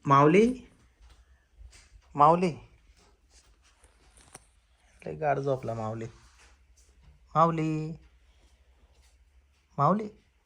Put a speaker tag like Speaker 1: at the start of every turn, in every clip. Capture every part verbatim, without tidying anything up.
Speaker 1: माऊली माऊली लय गाड झोपला माऊली. माऊली माऊली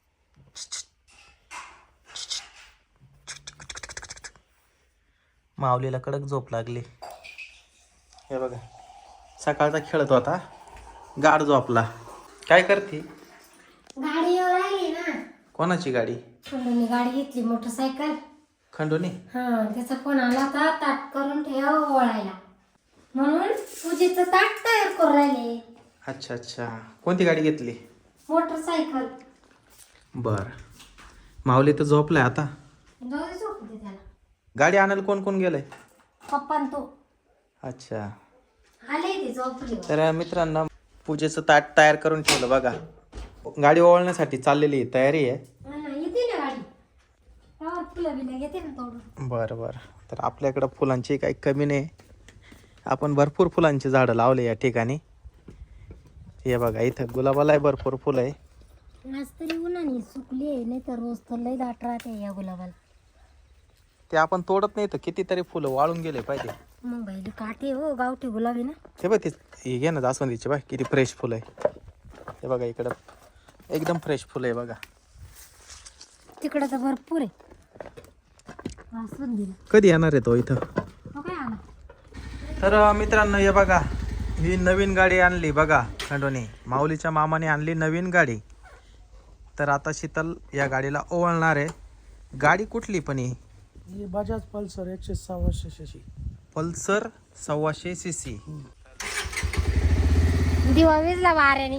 Speaker 1: माऊलीला कडक झोप लागली. हे बघा सकाळचा खेळत होता, गाड झोपला. काय करते?
Speaker 2: गाडी येऊ राहिली ना.
Speaker 1: कोणाची गाडी?
Speaker 2: खंडूनी गाडी घेतली, मोटरसायकल.
Speaker 1: खंडूनी?
Speaker 2: हा, त्याचा फोन आला होता, ताट करून ठेव ओळायला म्हणून पूजेचं ताट तयार करून राहिले.
Speaker 1: अच्छा अच्छा, कोणती गाडी घेतली?
Speaker 2: मोटरसायकल.
Speaker 1: बर, माऊली तर झोपलाय आता.
Speaker 2: जाऊ दे, झोपू दे त्याला.
Speaker 1: गाडी आणायला कोण कोण गेलंय?
Speaker 2: पप्पा न तो
Speaker 1: अच्छा,
Speaker 2: आले ते झोपले.
Speaker 1: तर मित्रांनो पूजेचं ताट तयार करून ठेवलं बघा. गाडी ओळण्यासाठी चाललेली आहे, तयारी आहे.
Speaker 2: येते ना गाडी, फुलं बिलं घेते ना तोडून.
Speaker 1: बरं बरं, तर आपल्याकडं फुलांची काही कमी नाही. आपण भरपूर फुलांची झाडं लावले या ठिकाणी. हे बघा इथं गुलाबाला भरपूर फुलं आहे.
Speaker 2: आज तरी उन्हाने सुकली आहे, नाही तर रोज तर लय दाट राहते या गुलाबाला.
Speaker 1: ते आपण तोडत नाही तर कितीतरी फुलं वाळून गेले पाहिजे.
Speaker 2: मग बाई काटे हो, गावठी गुलाबी ना.
Speaker 1: हे बघ, ते हे घे ना जास्वंदीचे, बघ किती फ्रेश फुलं आहे. हे बघा इकडं एकदम फ्रेश फुलं आहे बघा.
Speaker 2: तिकडं तर भरपूर आहे. जास्वंदीला
Speaker 1: कधी येणार आहे तो इथं?
Speaker 2: हो काय आला.
Speaker 1: तर मित्रांनो हे बघा, ही नवीन गाडी आणली बघा खंडोनी. माऊलीच्या मामाने आणली नवीन गाडी. तर आता शीतल या गाडीला ओवळणार आहे. गाडी कुठली पण ही?
Speaker 3: ही बजाज पल्सर एकशे सव्वाशे सीसी.
Speaker 1: पल्सर सव्वाशे सी सी.
Speaker 2: दिवा विजला वाऱ्याने.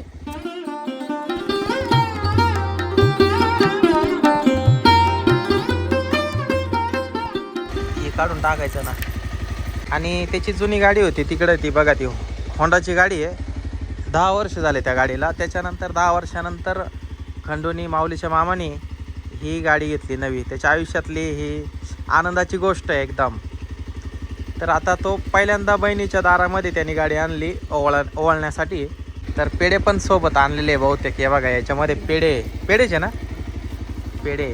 Speaker 1: हे काढून टाकायचं ना. आणि त्याची जुनी गाडी होती तिकडे, ती बघा ती होंडाची गाडी आहे. दहा वर्ष झाले त्या गाडीला. त्याच्यानंतर दहा वर्षानंतर खंडोनी माऊलीच्या मामाने ही गाडी घेतली नवी. त्याच्या आयुष्यातली ही आनंदाची गोष्ट आहे एकदम. तर आता तो पहिल्यांदा बहिणीच्या दारामध्ये त्यांनी गाडी आणली ओवळ ओवळण्यासाठी. तर पेढे पण सोबत आणलेले आहे बहुतेक. हे बघा याच्यामध्ये पेढे पेढेचे ना, पेढे.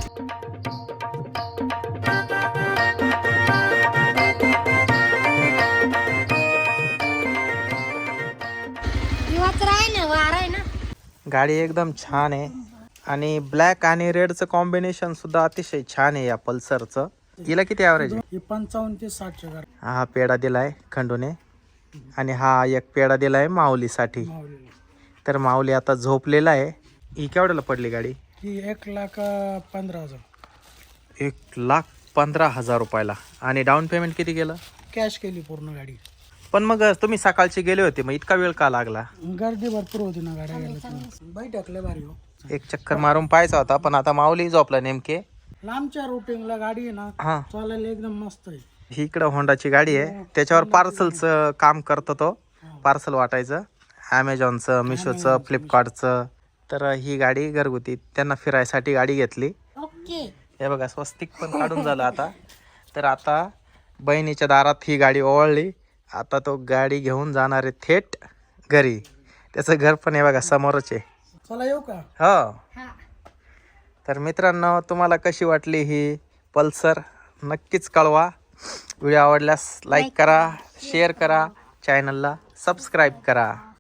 Speaker 2: दिवाच राही ना, वारा आहे ना.
Speaker 1: गाडी एकदम छान आहे. आणि ब्लॅक आणि रेडचं कॉम्बिनेशन सुद्धा अतिशय छान आहे या पल्सरचं. हिला किती ॲव्हरेज आहे?
Speaker 3: ही पंचावन्न ते साठच्या गाडी.
Speaker 1: हा पेढा दिलाय खंडूने आणि हा एक पेढा दिलाय माऊलीसाठी.
Speaker 3: माऊलीला
Speaker 1: तर माऊली आता झोपलेला आहे. ही केवढ्याला पडली गाडी?
Speaker 3: ही एक लाख अं, पंधरा हजार
Speaker 1: एक लाख पंधरा हजार रुपयाला. आणि डाऊन पेमेंट किती केलं?
Speaker 3: कॅश केली पूर्ण गाडी.
Speaker 1: पण मग तुम्ही सकाळचे गेले होते, मग इतका वेळ का लागला?
Speaker 3: गर्दी भरपूर होती ना गाड्या गेल्या. बाई टाकले भारी हो.
Speaker 1: एक चक्कर मारून पाहायचा होता, पण आता माऊली झोपला नेमके.
Speaker 3: लांबच्या रुटिंगला गाडी आहे ना,
Speaker 1: हा,
Speaker 3: चालायला एकदम मस्त आहे.
Speaker 1: ही इकडं होंडाची गाडी आहे. त्याच्यावर पार्सलचं काम करतो तो, पार्सल वाटायचं. ॲमेझॉनचं, मिशोचं, फ्लिपकार्टचं. तर ही गाडी घरगुती त्यांना फिरायसाठी गाडी घेतली.
Speaker 2: ओके.
Speaker 1: हे बघा स्वस्तिक पण काढून झालं आता. तर आता बहिणीच्या दारात ही गाडी ओवळली. आता तो गाडी घेऊन जाणार आहे थेट घरी. त्याचं घर पण हे बघा समोरच आहे.
Speaker 3: चला येऊ का?
Speaker 1: हो.
Speaker 2: हा.
Speaker 1: तर मित्रांनो तुम्हाला कशी वाटली ही पल्सर नक्कीच कळवा. व्हिडिओ आवडल्यास लाईक करा, शेअर करा, चॅनलला सबस्क्राईब करा.